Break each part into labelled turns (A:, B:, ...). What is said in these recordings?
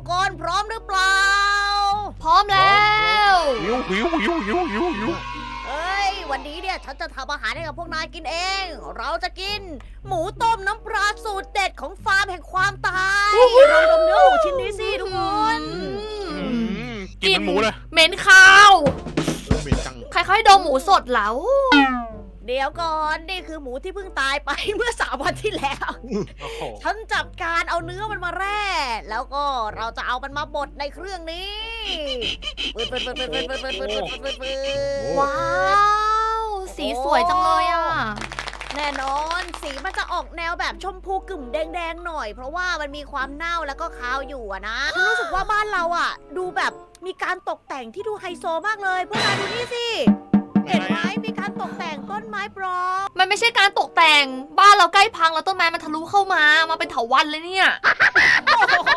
A: กคนพร้อมหรือเปล่า
B: พร้อมแล้ว
C: หิว
A: เอ้ยวันนี้เนี่ยฉันจะทำอาหารให้กับพวกนายกินเอง เราจะกิน หมูต้มน้ำปลาสูตรเด็ดของฟาร์มแห่งความตายลองดมเนื้อหมูชิ้นนี้สิทุกคน
C: กินเป็นหมูเลย
B: เหม็นข้าว
D: เหม็นจัง
B: ใครเขาให้ดมหมูสดแล้ว
A: เดี๋ยวก่อนนี่คือหมูที่เพิ่งตายไป เมื่อ3 วันที่แล้ว
C: โอ้โห
A: ฉันจับการเอาเนื้อมันมาแร่ แล้วก็เราจะเอามันมาบดในเครื่องนี้ปืด
B: ว้าว สีสวยจังเลยอ่ะ
A: แน่นอนสีมันจะออกแนวแบบชมพูกึ่มแดงๆหน่อย เพราะว่ามันมีความเน่าแล้วก็คาวอยู่อะนะฉันรู้สึกว่าบ้านเราอะดูแบบมีการตกแต่งที่ดูไฮโซมากเลยพวกนายดูนี่สิ เห็นไหมมีการตกแต่งต้นไม้ปลอม
B: มันไม่ใช่การตกแต่ง บ้านเราใกล้พังแล้วต้นไม้มันทะลุเข้ามา มาเป็นเถาวัลย์เลยเนี่ย
A: โอ้โห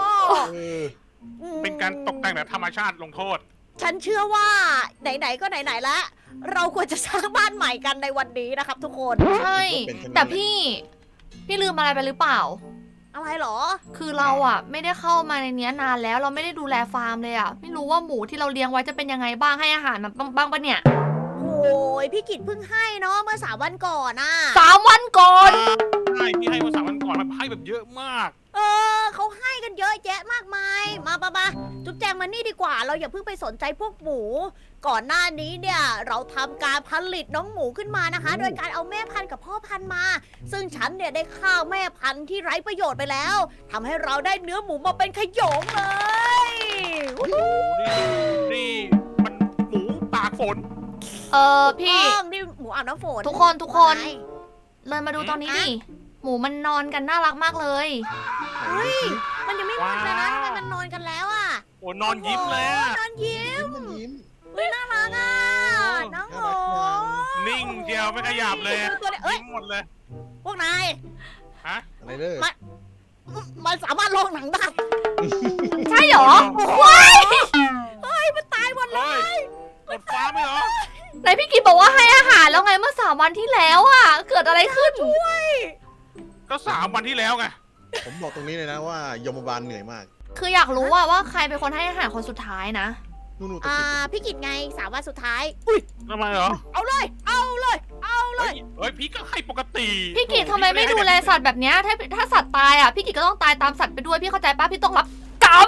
C: เป็นการตกแต่งแบบธรรมชาติลงโทษ
A: ฉันเชื่อว่าไหนๆก็ไหนๆแล้วเราควรจะสร้างบ้านใหม่กันในวันนี้นะครับทุกคน
B: ใช่ แต่พี่ลืมอะไรไปหรือเปล่า
A: อะไรเหรอ
B: คือเราอ่ะไม่ได้เข้ามาในเนี้ยนานแล้ว เราไม่ได้ดูแลฟาร์มเลยอ่ะ ไม่รู้ว่าหมูที่เราเลี้ยงไว้จะเป็นยังไงบ้าง ให้อาหารมันบ้างปะเนี่ย
A: โอ้ยพี่กิตเพิ่งให้เนาะเมื่อ3 วันก่อนอะ
B: 3 วันก่อน
C: ใช่พี่ให้มา3 วันก่อนมันให้แบบเยอะมาก
A: เขาให้กันเยอะแยะมากมาย มาจุ๊บแจงมานี่ดีกว่า เราอย่าเพิ่งไปสนใจพวกหมู ก่อนหน้านี้เนี่ยเราทำการผลิตน้องหมูขึ้นมานะคะ โดยการเอาแม่พันธุ์กับพ่อพันธุ์มา ซึ่งฉันเนี่ยได้ฆ่าแม่พันธุ์ที่ไร้ประโยชน์ไปแล้วทำให้เราได้เนื้อหมูมาเป็นขโยงเลย
C: โอ้โหนี่มันหมูตากฝน
B: พี่
A: นี่หมูอาบน้ำฝน
B: ทุกคน เลยมาดูตอนนี้ดิ หมูมันนอนกันน่ารักมากเลย
A: เฮ้ยมันยังไม่มืดเลยนะทำไมมันนอนกันแล้วอะ
C: โอ้นอนยิ้มเลยอะ
A: นอนยิ้ม
D: มันยิ้ม
A: เฮ้ยน่ารักอ่ะน้องหมู
C: นิ่งเดียวไม่ขยับเลย
A: ตัวเนี้ยเอ้ย
C: ยิ้มหมดเลย
A: พวกนาย
C: ฮะ
D: อะไรเด้อ
A: มันสามารถลงหนังได้
B: ใช่เหรอ
A: เฮ้ยมันตายหมดเล
C: เฮ้ย
A: ย
C: หมดฟ้าไหมเหรอ
B: ไหนพี่กิตบอกว่าให้อาหารแล้วไงเมื่อ3 วันที่แล้วอ่ะ เกิดอะไรขึ้น
C: ก็3 วันที่แล้วไง
D: ผมบอกตรงนี้เลยนะว่ายมบาลเหนื่อยมาก
B: คืออยากรู้ว่าใครเป็นคนให้อาหารคนสุดท้ายนะ
D: นู่นๆตะกี้
A: พี่กิจไง3 วันสุดท้าย
C: ทำไมเหรอ
A: เอาเลย เอาเลย เอาเลย
C: เฮ้ยพี่ก็ให้ปกติ
B: พี่กิตทำไมไม่ดูแลสัตว์แบบเนี้ยถ้าสัตว์ตายอ่ะพี่กิตก็ต้องตายตามสัตว์ไปด้วยพี่เข้าใจปะพี่ต้องรับกรรม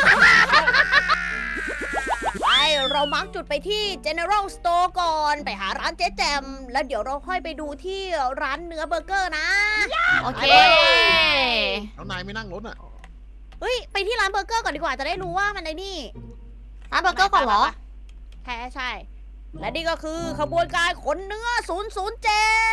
A: ไปเรามาร์กจุดไปที่ General Store ก่อน ไปหาร้านเจ๊แจม แล้วเดี๋ยวเราค่อยไปดูที่ร้านเนื้อเบอร์เกอร์นะ
B: โอเค
D: แล้วนายไม่นั่งรถอ่ะ
A: เฮ้ย ไปที่ร้านเบอร์เกอร์ก่อนดีกว่า จะได้รู้ว่ามันไอ้นี่
B: ร้านเบอร์เกอร์ก่อนเหรอ
A: ใช่ และนี่ก็คือขบวนการขนเนื้อ 007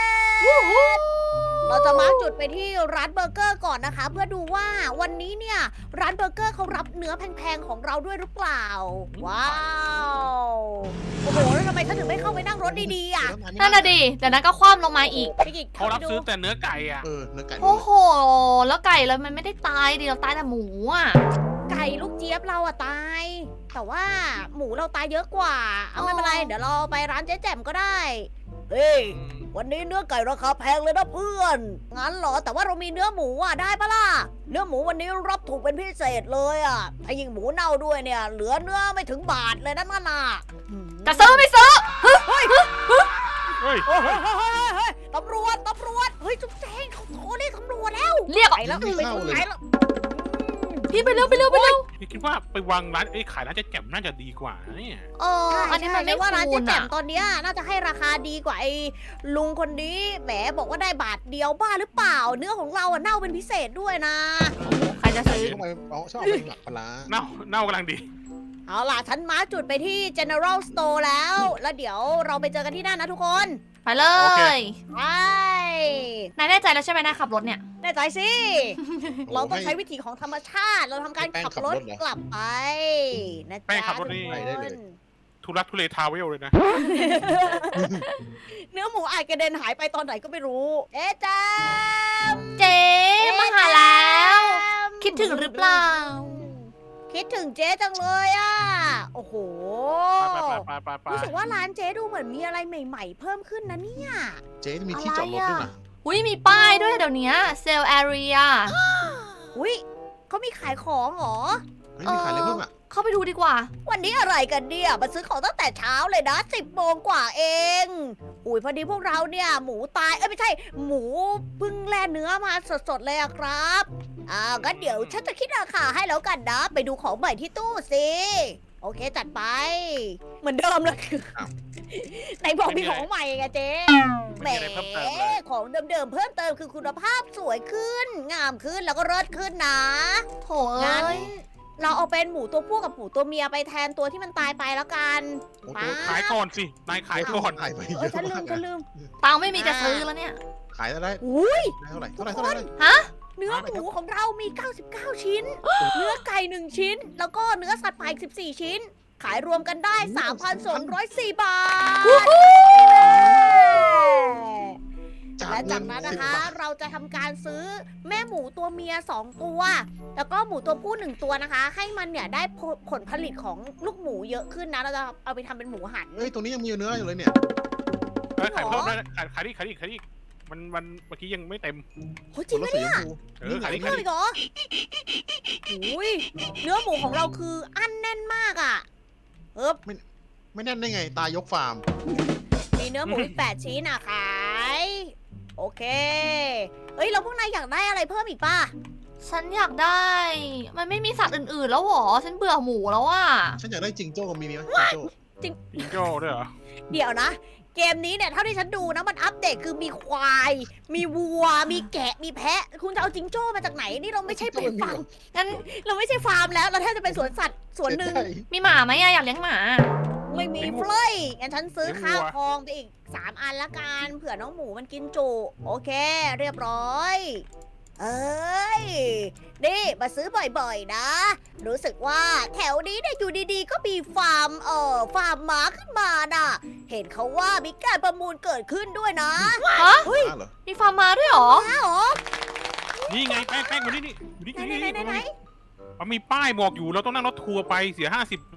A: เราจะมาร์คจุดไปที่ร้านเบอร์เกอร์ก่อนนะคะ เพื่อดูว่าวันนี้เนี่ยร้านเบอร์เกอร์เขารับเนื้อแพงๆของเราด้วยหรือเปล่า ว้าว โอ้โห แล้วทำไมฉันถึงไม่เข้าไปนั่งรถดีๆอ่ะ
B: นั่นน่ะดิเดี๋ยวนั้นก็คว่ำลงมาอีก
A: พี่กิจ
C: เขารับ
A: ไปดู
C: ซื้อแต่เนื้อไก่อะ
D: เนื้อไก่
B: โอ้โห แล้วไก่เรามันไม่ได้ตายดิเราตายแต่หมูอ่ะ
A: ไก่ลูกเจี๊ยบเราอะตาย แต่ว่าหมูเราตายเยอะกว่า เอาไม่เป็นไร เดี๋ยวเราไปร้านเจ๊แจ่มก็ได้ เฮ้ย วันนี้เนื้อไก่ราคาแพงเลยนะเพื่อน งั้นเหรอ แต่ว่าเรามีเนื้อหมูอ่ะได้ปะล่ะ เนื้อหมูวันนี้รับถูกเป็นพิเศษเลยอ่ะถ้ายิ่งหมูเน่าด้วยเนี่ย เหลือเนื้อไม่ถึงบาทเลยนั่นน่ะ
B: จะซื้อไม่ซื้อ
C: เฮ้ย
A: เฮ้ยเฮ้ยตำรวจ เฮ้ยจุ๊บแจงเขาโทรเรียกตำรวจแล้ว
B: เรียก
A: ไปแล้วไปแล้ว
B: พี่ไปเร็ว
C: พี่คิดว่าไปวางร้านขายร้านเจ๊แจ่มน่าจะดีกว่านะเนี่ย
B: อันนี้มันไม่
A: ว่าร้าน
B: คู
A: เจ๊
B: ณ
A: แจ่
B: อ่ะ
A: มตอนเนี้ยน่าจะให้ราคาดีกว่าไอ้ลุงคนนี้แหมบอกว่าได้บาทเดียวบ้าหรือเปล่า เนื้อของเราอะเน่าเป็นพิเศษด้วยนะ
B: ใครจะซื้อ
D: ทำไมชอบเอาเป็นหลักปลาร้า
C: เน่ากำลังดี
A: เอาล่ะ ฉันมาร์คจุดไปที่ General Store แล้ว แล้วเดี๋ยวเราไปเจอกันที่นั่นนะทุกคน
B: ไปเล
C: โอเค
B: ย
A: ไป
B: นายแน่ใจแล้วใช่ไหมนายขับรถเนี่ย
A: แน่ใจสิ เราต้องใช้วิธีของธรรมชาติ เราทำการขับรถกลับไปนะ
C: แป้
A: จ๊ะ
C: งขับรถนี่
A: ทุก
D: ไปได้เลย
A: คน
C: ทุลักทุเลทาเวลเลยนะ
A: เนื้อหมูอาจกระเด็นหายไปตอนไหนก็ไม่รู้ เอ๊ะจ๊ะ
B: เจ๊มาหาแล้ว คิดถึงหรือเปล่า
A: คิดถึงเจ๊จังเลยอ่ะ โอ้โห
C: ไป
A: รู้สึกว่าร้านเจ๊ดูเหมือนมีอะไรใหม่ๆ เพิ่มขึ้นนะเนี่ย
D: เจ๊มีที่จอดรถด้วยนะ
B: อุ้ยมีป้ายด้วยเดี๋ยวนี้เซลล์แอเรีย
A: อุ้ยเขามีขายของเหรอ
D: เฮ้ยมีขายอะไรเพิ่มอ่ะ
B: เข้าไปดูดีกว่า
A: วันนี้อะไรกันเนี่ยมาซื้อของตั้งแต่เช้าเลยนะ10 โมงกว่าเองอุ้ยพอดีพวกเราเนี่ยหมูตายไม่ใช่หมูเพิ่งแล่เนื้อมาสดๆเลยอะครับงั้นเดี๋ยวฉันจะคิดราคาให้แล้วกันนะไปดูของใหม่ที่ตู้สิโอเคจัดไป เหมือนเดิมเลยไหนบอกมีของใหม่ไงเจ๊แหม
C: ไม่มีอะไรเพิ่มเติมเลย
A: ของเดิมๆเพิ่มเติมคือคุณภาพสวยขึ้น งามขึ้นแล้วก็เลิศขึ้นนะ
B: โถ
A: งั้น
B: เอ้ย
A: เราเอาเป็นหมูตัวผู้กับหมูตัวเมียไปแทนตัวที่มันตายไปแล้วกัน
D: โอ้โห
A: ป๊า
C: ขายก่อนสิ นายขายก่อน
D: ขายไป
A: เอ
D: เย
A: อ
D: อะ
A: ฉันลื
D: มาม ก
A: ฉันลืม
B: ตังค์ไม่มีจะซื้อแล้วเนี่ย
D: ขายได้
A: อุ้ย
D: เท่าไหร่เท่าไหร่เท่าไหร่
B: ฮะ
A: เนื้อหมูของเรามี 99 ชิ้น เนื้อไก่ 1 ชิ้น แล้วก็เนื้อสัตว์ป่าอีก14 ชิ้น ขายรวมกันได้ 3,204 บาท และจากนั้นนะคะ เราจะทำการซื้อแม่หมูตัวเมีย 2 ตัว แล้วก็หมูตัวผู้ 1 ตัวนะคะ ให้มันเนี่ยได้ผลผลิตของลูกหมูเยอะขึ้นนะ เราจะเอาไปทำเป็นหมูหัน
D: เฮ้ยตรงนี้ยังมีเนื้ออยู่เลยเนี่ย
C: ขายเพิ่มได้ขายอีกมันเมื่อกี้ยังไม่เต็ม
A: โหจริงปะเนี่ย
C: ขายอีก
A: เพิ่มอีกเหรออุ้ยเนื้อหมูของเราคืออั้นแน่นมากอ่ะ
D: ไม่แน่นได้ไงตายยกฟาร์ม
A: มีเนื้อหมูอีก8 ชิ้นอ่ะขาย โอเค เฮ้ย เราพวกนายอยากได้อะไรเพิ่มอีกป่ะ
B: ฉันอยากได้ มันไม่มีสัตว์อื่นๆแล้วหรอ ฉันเบื่อหมูแล้วอ่ะ
D: ฉันอยากได้จิงโจ้กับมีไหมจิงโจ้
C: จิงโจ้ด้วยเหรอ
A: เดี๋ยวนะ เกมนี้เนี่ยเท่าที่ฉันดูนะมันอัปเดตคือมีควาย มีวัว มีแกะ มีแพะ คุณจะเอาจิงโจ้มาจากไหน นี่เราไม่ใช่เป็นฟาร์ม
B: งั้น
A: เราไม่ใช่ฟาร์มแล้ว เราแทบจะเป็นสวนสัตว์สวนหนึ่ง
B: มีหมาไหมอะอยากเลี้ยงหมา
A: ไม่มีเฟลยงั้นฉันซื้อข้าวทองไปอีก 3 อันละกัน เผื่อน้องหมูมันกินจุ โอเค เรียบร้อย เอ้ย นี่มาซื้อบ่อยๆนะ รู้สึกว่าแถวนี้เนี่ยอยู่ดีๆ ก็มีฟาร์มม้าขึ้นมาน่ะ เห็นเขาว่ามีการประมูลเกิดขึ้นด้วยนะ
B: ฮะ
A: เฮ้ย
D: เหรอ
B: มีฟาร์มม้าด้วยเหรอ
A: ม้าเหรอ
C: นี่ไงแป้งมานี่อยู่นี่
A: ไหน
C: มันมีป้ายบอกอยู่เราต้องนั่งรถทัวร์ไปเสีย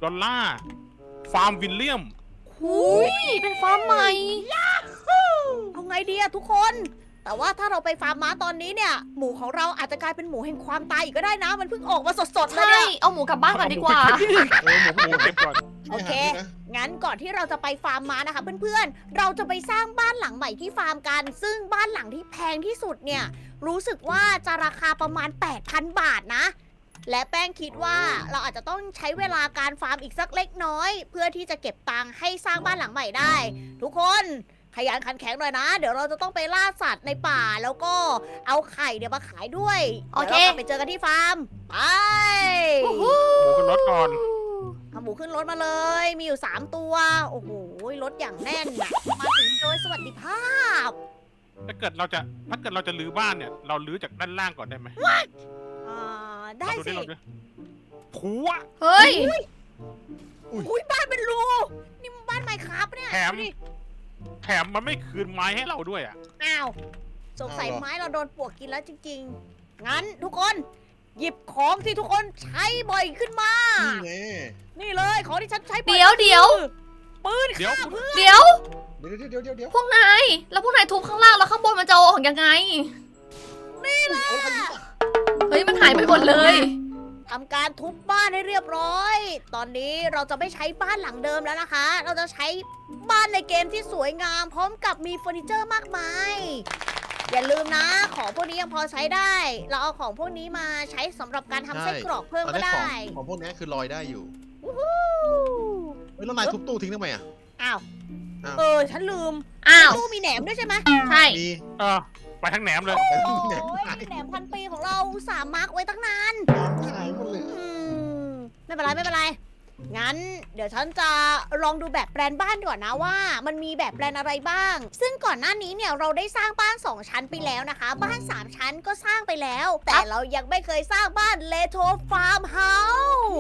C: $50 ฟาร์มวิลเลียม
B: หุยเป็นฟาร์มใหม่
A: เอาไงดีอะทุกคน แต่ว่าถ้าเราไปฟาร์มม้าตอนนี้เนี่ย หมูของเราอาจจะกลายเป็นหมูแห่งความตายอีกก็ได้นะ มันเพิ่งออกมาสดๆเลย
B: ใช่
A: เนี่ย
B: เอาหมูกลับบ้านก่อนดีกว่า
C: หมูเก็บก่อน
A: โอเค งั้นก่อนที่เราจะไปฟาร์มม้านะคะเพื่อนๆ เราจะไปสร้างบ้านหลังใหม่ที่ฟาร์มกัน ซึ่งบ้านหลังที่แพงที่สุดเนี่ย รู้สึกว่าจะราคาประมาณ 8,000 บาทนะ และแป้งคิดว่าเราอาจจะต้องใช้เวลาการฟาร์มอีกสักเล็กน้อย เพื่อที่จะเก็บตังค์ให้สร้างบ้านหลังใหม่ได้ ทุกคนขยันขันแข็งหน่อยนะ เดี๋ยวเราจะต้องไปล่าสัตว์ในป่าแล้วก็เอาไข่เนี่ยมาขายด้วย
B: โอเค
A: ดี๋ยวเรากลับไปเจอกันที่ฟาร์ม ไป
C: หมูขึ้นรถก่อน
A: เอาหมูขึ้นรถมาเลย มีอยู่ 3 ตัว โอ้โห รถอย่างแน่นอะมาถึงโดยสวัสดิภาพ
C: ถ้าเกิดเราจะรื้อบ้านเนี่ย เรารื้อจากด้านล่างก่อนได้ไหม
A: ได้สิ
C: เราดูผัว
B: เฮ้ย
A: อุ้ยบ้านเป็นรู นี่มันบ้านไมค์ครับเนี่ย
C: แถม
A: ดูดิ
C: แถมมันไม่คืนไม้ให้เราด้วยอ่ะ
A: อ้าว สงสัยไม้เราโดนปลวกกินแล้วจริงๆ งั้นทุกคน หยิบของที่ทุกคนใช้บ่อยขึ้นมา
D: นี่ไง
A: นี่เลยของที่ฉันใช้บ่อย
B: เดี๋ยว
A: ปืน
C: เดี๋ยว
A: ฆ่าเพื่อน
B: เดี๋ยว
D: เดี๋ยว
B: พวกนาย แล้วพวกนายทุบข้างล่างแล้วข้างบนมันจะเอาออกยังไง
D: เอาคันนี้ป่ะ
B: เฮ้ย มันหายไปหมดเลย
A: ทำการทุบบ้านให้เรียบร้อย ตอนนี้เราจะไม่ใช้บ้านหลังเดิมแล้วนะคะ เราจะใช้บ้านในเกมที่สวยงาม พร้อมกับมีเฟอร์นิเจอร์มากมาย อย่าลืมนะ ของพวกนี้ยังพอใช้ได้ เราเอาของพวกนี้มาใช้สำหรับการทำไส้กรอกเพิ่ม
D: ตอน
A: ก็
D: นี้
A: ได้
D: ของพวกนี้คือลอยได้อยู่
A: วู้ฮู้
D: เฮ้ยแล้วนายทุบตู้ทิ้งทำไมอ่ะ
A: อ้าว
D: อ้าว
A: ฉันลืม
B: อ้าว
A: ตู้มีแหนมด้วยใช่ไหม
B: ใช่
D: มี
C: ไปทั้งแหนมเลย
A: โอ้ยแหนมพันปีของเราอุตสาห์มาร์กไว้ตั้งนาน
D: ขายหมดเลย
A: ไม่เป็นไร งั้น เดี๋ยวฉันจะลองดูแบบแปลนบ้านก่อนนะว่า มันมีแบบแปลนอะไรบ้าง ซึ่งก่อนหน้านี้เนี่ยเราได้สร้างบ้าน 2 ชั้นไปแล้วนะคะ บ้าน 3 ชั้นก็สร้างไปแล้ว แต่เรายังไม่เคยสร้างบ้านเลโทฟาร์มเฮาส์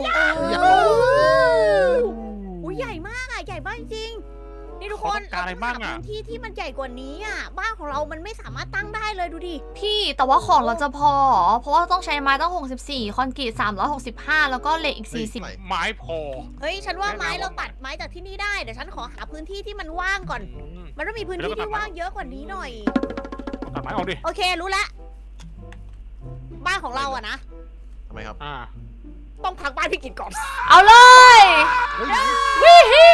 A: อุ้ยใหญ่มากอะใหญ่มากจริงๆนี่ทุกคน
C: เขาต้องการอะไรบ้างอะ
A: เรต้หพื้นที่ที่มันใหญ่กว่านี้อะบ้านของเรามันไม่สามารถตั้งได้เลยดูดิ
B: พี่แต่ว่าของเราจะพอเหรอเพราะว่าต้องใช้ไม้ต้อง64 คอนกรีต365 แล้วก็เหล็กอีก 40
C: ไม้พอ
A: เฮ้ยฉันว่าไม้
C: แน่นอน
A: เราตัดไม้จากที่นี่ได้เดี๋ยวฉันขอหาพื้นที่ที่มันว่างก่อน มันต้องมีพื้นที่ที่ว่างเยอะกว่านี้หน่อย
C: ตัดไม้ออกดิ
A: โอเครู้แล้วบ้านของเราอะนะ
D: ทำไมครับ
A: ต้องพักบ้านพี่กิจก่อน
B: เอาเลย
D: เฮ้ย
B: วิฮิ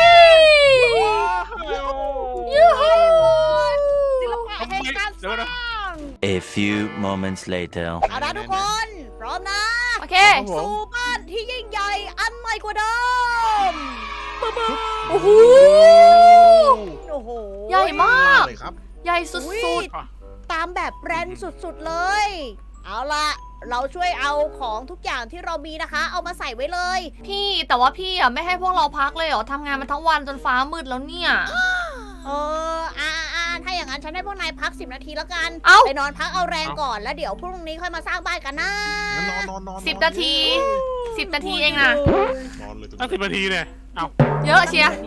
B: ยูฮู
A: ศิลปะแห่งการสร้าง
E: A few moments later.
A: เอาละทุกคน พร้อมนะ
B: โอเค
D: ครับผม
A: สู่บ้านที่ยิ่งใหญ่อันใหม่กว่าเดิม
B: โอ้โห
A: โอ้โห
B: ใหญ่มาก
D: เลยครับ
B: ใหญ่สุ
A: อุ๊
B: ด
A: ยตามแบบแบรนด์สุดๆเลย เอาล่ะ เราช่วยเอาของทุกอย่างที่เรามีนะคะ เอามาใส่ไว้เลย
B: ๆ พี่แต่ว่าพี่อ่ะไม่ให้พวกเราพักเลยเหรอทำงานมาทั้งวันจนฟ้ามืดแล้วเนี่ย
A: ถ้าอย่างนั้นฉันให้พวกนายพัก10 นาทีแล้วกัน
B: เอ้า
A: ไปนอนพักเอาแรงก่อนแล้วเดี๋ยวพรุ่งนี้ค่อยมาสร้างบ้านกันนะ
D: งั้นนอน
B: 10 นาที 10 นาทีเองนะ
D: นอนเลย
C: ตั้ง10 นาทีเนี่ย เอา
B: เยอะเชียร์